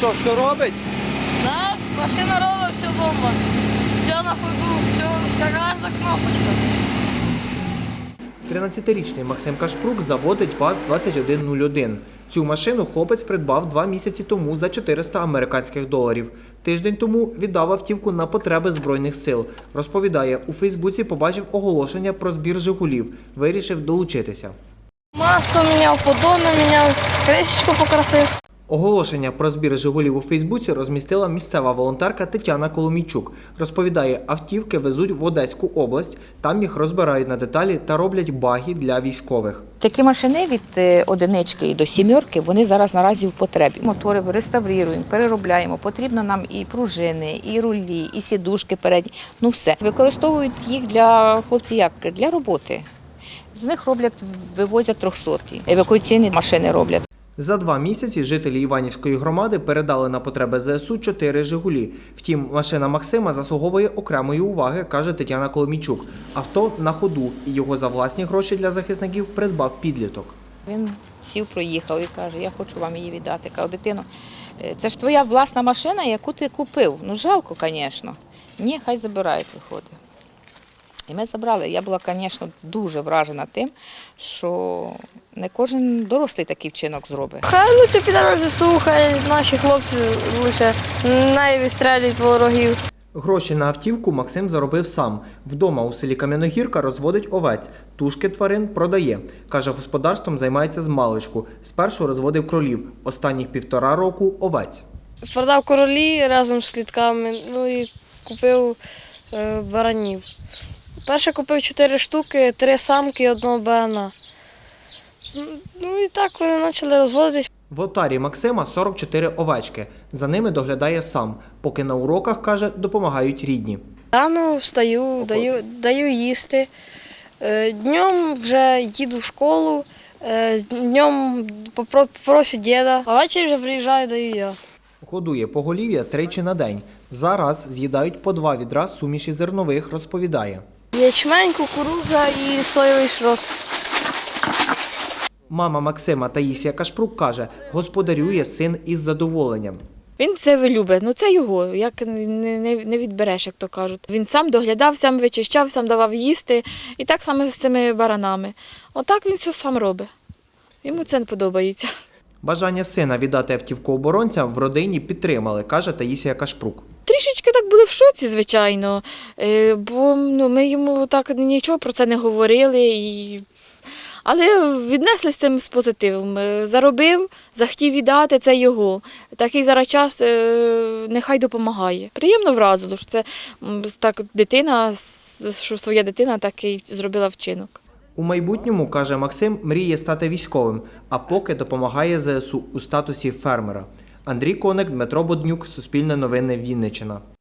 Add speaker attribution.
Speaker 1: що, все робить?
Speaker 2: Да, машина робить, все бомба. Все на ходу, все, кожна кнопочка.
Speaker 3: 13-річний Максим Кашпрук заводить ВАЗ-2101. Цю машину хлопець придбав 2 місяці тому за 400 американських доларів. Тиждень тому віддав автівку на потреби Збройних сил. Розповідає, у Фейсбуці побачив оголошення про збір «Жигулів». Вирішив долучитися.
Speaker 2: Масло міняв, поддон міняв, кришечку покрасив.
Speaker 3: Оголошення про збір «Жигулів» у Фейсбуці розмістила місцева волонтерка Тетяна Коломійчук. Розповідає, автівки везуть в Одеську область, там їх розбирають на деталі та роблять баги для військових.
Speaker 4: Такі машини від одинички до сімерки, вони зараз наразі в потребі. Мотори реставруємо, переробляємо. Потрібно нам і пружини, і рулі, і сідушки передні. Ну все. Використовують їх для хлопців як? Для роботи. З них роблять, вивозять 300-ки. Евакуаційні машини роблять.
Speaker 3: За 2 місяці жителі Іванівської громади передали на потреби ЗСУ 4 «Жигулі». Втім, машина Максима заслуговує окремої уваги, каже Тетяна Коломійчук. Авто на ходу, і його за власні гроші для захисників придбав підліток.
Speaker 4: Він сів, проїхав і каже, я хочу вам її віддати. Кажу, дитино, це ж твоя власна машина, яку ти купив. Ну, жалко, звісно. Ні, хай забирають, виходить. І ми забрали. Я була, звісно, дуже вражена тим, що не кожен дорослий такий вчинок зробить.
Speaker 2: Хай лучше піде на ЗСУ, хай наші хлопці лише не відстрілюють ворогів.
Speaker 3: Гроші на автівку Максим заробив сам. Вдома у селі Кам'яногірка розводить овець. Тушки тварин продає. Каже, господарством займається змалечку. Спершу розводив кролів. Останніх 1,5 року – овець.
Speaker 2: Продав королі разом з слідками, ну і купив баранів. Перше купив 4 штуки, 3 самки і 1 барана. Ну і так вони почали розводитись.
Speaker 3: В отарі Максима 44 овечки. За ними доглядає сам. Поки на уроках, каже, допомагають рідні.
Speaker 2: Рано встаю, даю їсти. Днем вже їду в школу, днем попрошу діда, а ввечері вже приїжджаю, даю я.
Speaker 3: Годує поголів'я 3 на день. Зараз з'їдають по 2 відра суміші зернових, розповідає.
Speaker 2: Ячмень, кукурудза і соєвий шрот.
Speaker 3: Мама Максима Таїсія Кашпрук каже, господарює син із задоволенням.
Speaker 5: Він це любить, ну це його, як не відбереш, як то кажуть. Він сам доглядав, сам вичищав, сам давав їсти. І так само з цими баранами. Отак він все сам робить. Йому це не подобається.
Speaker 3: Бажання сина віддати автівку оборонцям в родині підтримали, каже Таїсія Кашпрук.
Speaker 5: Трішечки так були в шоці, звичайно, бо ми йому так нічого про це не говорили. Але віднесли з тим з позитивом. Заробив, захотів віддати, це його. Такий зараз час нехай допомагає. Приємно вразило, що це так дитина, що своя дитина такий зробила вчинок.
Speaker 3: У майбутньому, каже Максим, мріє стати військовим, а поки допомагає ЗСУ у статусі фермера. Андрій Коник, Дмитро Боднюк, Суспільне новини, Вінниччина.